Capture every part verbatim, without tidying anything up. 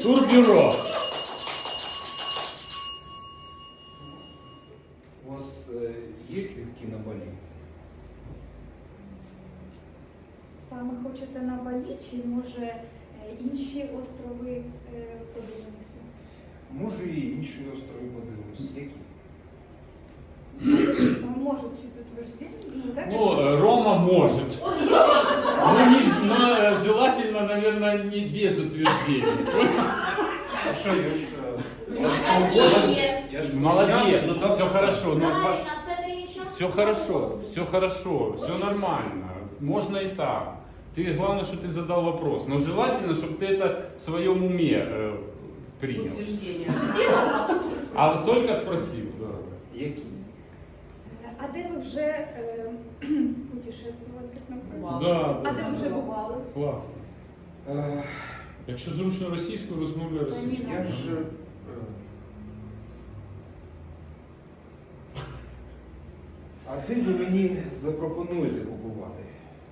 Турбюро. У вас е, є квитки на Балі? Саме хочете на Балі, чи може е, інші острови е, подивимося? Може і інші острови подивимось. Які? Может чуть утверждение? Ну, да, Ну, э, Рома может. Ну, не, но э, желательно, наверное, не без утверждений. А що, я ж... е, я ж Молодець. я ж Молодец, я задав все хорошо. Ну, Правильно, це не час. все хорошо, все хорошо, все нормально. Можно и так. Ты, главное, что ты задал вопрос. Но желательно, чтобы ты это в своем уме э, принял. Утверждення. А только спросил, да. Які? А де ви вже е, путешествували? Бували. Да, А де ви вже бували? Класно. Е, Якщо зручно російською, розмовляй російською. Я ж... е, А де ви мені запропонуєте побувати?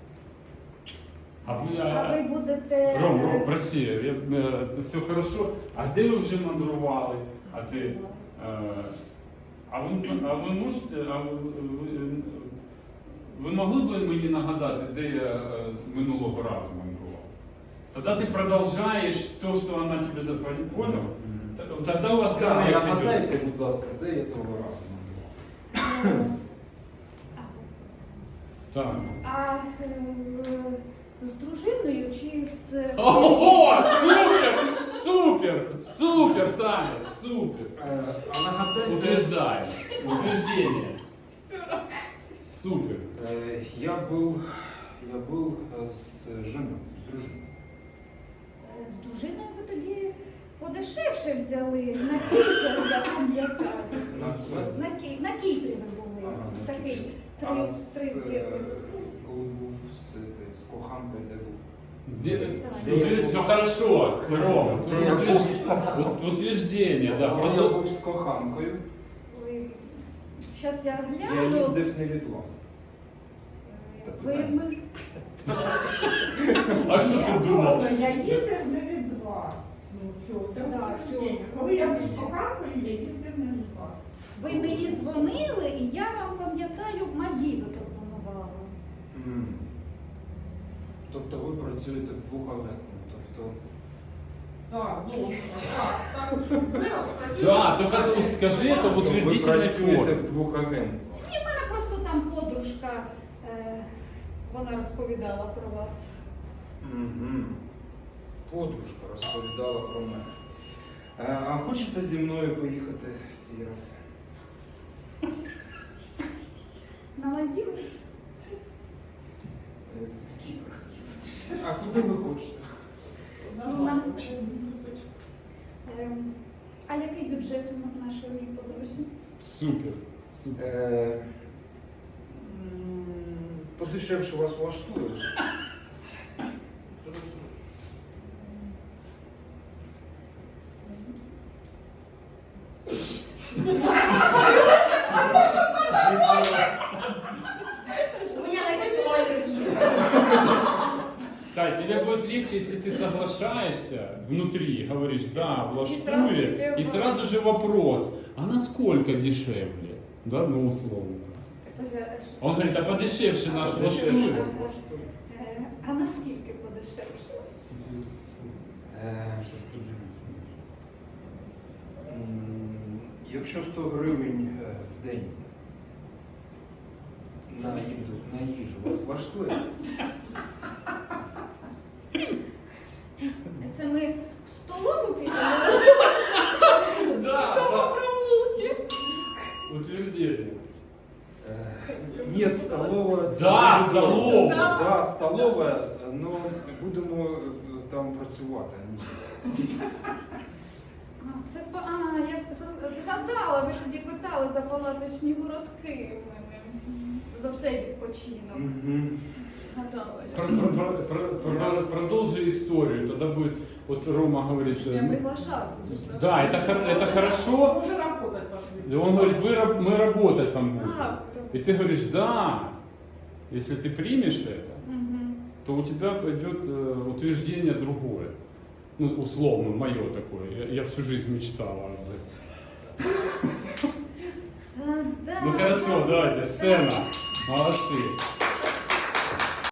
А ви, А а, ви будете... Ром, е, Ром, прости, я, е, все хорошо. А де ви вже мандрували? А ти, е, а ви, а ви можете, а ви, ви, ви могли б мені нагадати, де я е, минулого разу мандрував? Тоді ти продовжуєш те, що вона тебе запалила. Понял? Тоді у вас Да, коннект нагадайте, йде. будь ласка, де я того разу мандрував? Так. А е, з дружиною чи з... Ого, супер, супер, супер, Таня, супер. Е, А нагадайте... Утверждаю, утверждение. Супер. Э, Я был, я был э, с женой, с дружиной. Е, З дружиною ви тоді подешевше взяли на Кіпр, я пам'ятаю. На, на, На, Кі- на Кіпрі ви були. Ага, на Такий Кіпрі. три, а з, три е, зірки. коли був з, этой, з коханкою, де був? Де- Все хорошо, Рома. тут Де я утвержд- був? ут- Утверждение, да. Коли я продол- був з коханкою, Ой, щас я я гляну. їздив не від вас. Е, Ви, ми... А що ти думав? Я їздив не від вас. Ну чого, Так, так, все. коли я був з коханкою, я їздив не від вас. Ви мені дзвонили, і я вам, пам'ятаю, Мальдіви пропонувала. М. Тобто ви працюєте вдвох агентно. Тобто, Так, ну, так, так. Ви працюєте- Да, только тут скажи это в тобто ви утвердительной працюєте форме. в двох агентствах. Ні, в мене просто там подружка, е, вона розповідала про вас. Угу. Подружка розповідала про мене. Е, А хочете зі мною поїхати цей раз? На Мальдіви? Е, Кіпр. А куди ви хочете? Ну, нам... Ем, а який бюджет у нашої подорожі? Супер. Супер. Е, м, Подешевше вас влаштує. У мене найдеться алергія. Тань, тебе будет легче, если ты соглашаешься внутри, говоришь, да, И сразу влаштует, себе и сразу же вопрос, а насколько дешевле? Да, ну условно. Он говорит, а подешевше наш влаштует. Е, А наскільки подешевше? Е, м, Якщо сто гривень е, в день на їду, на їжу вас влаштує? Це ми в столову підемо? Да, да. Утверждение. Е, Ні, столова. це Да, дуже дорого. столова. Да, столова, але будемо е, там працювати, а не їсти. А, це па- а, я з- згадала, ви тоді питали за палаточні городки в мене. За цей відпочинок. Мгм. Згадала я. Про- про- про- про- про- Продолжи историю, тогда будет, вот Рома говорит, что... Я приглашала. Да, это, хор- это хорошо. Уже работать пошли. И он говорит, вы, раб- мы работать там будем. А, И ты говоришь, да, если ты примешь это, Мгм. то у тебя пойдет э, утверждение другое. Ну, условно, мое такое. Я, я всю жизнь мечтала об этом. А, да, Ну хорошо, да. давайте, сцена. Молодцы.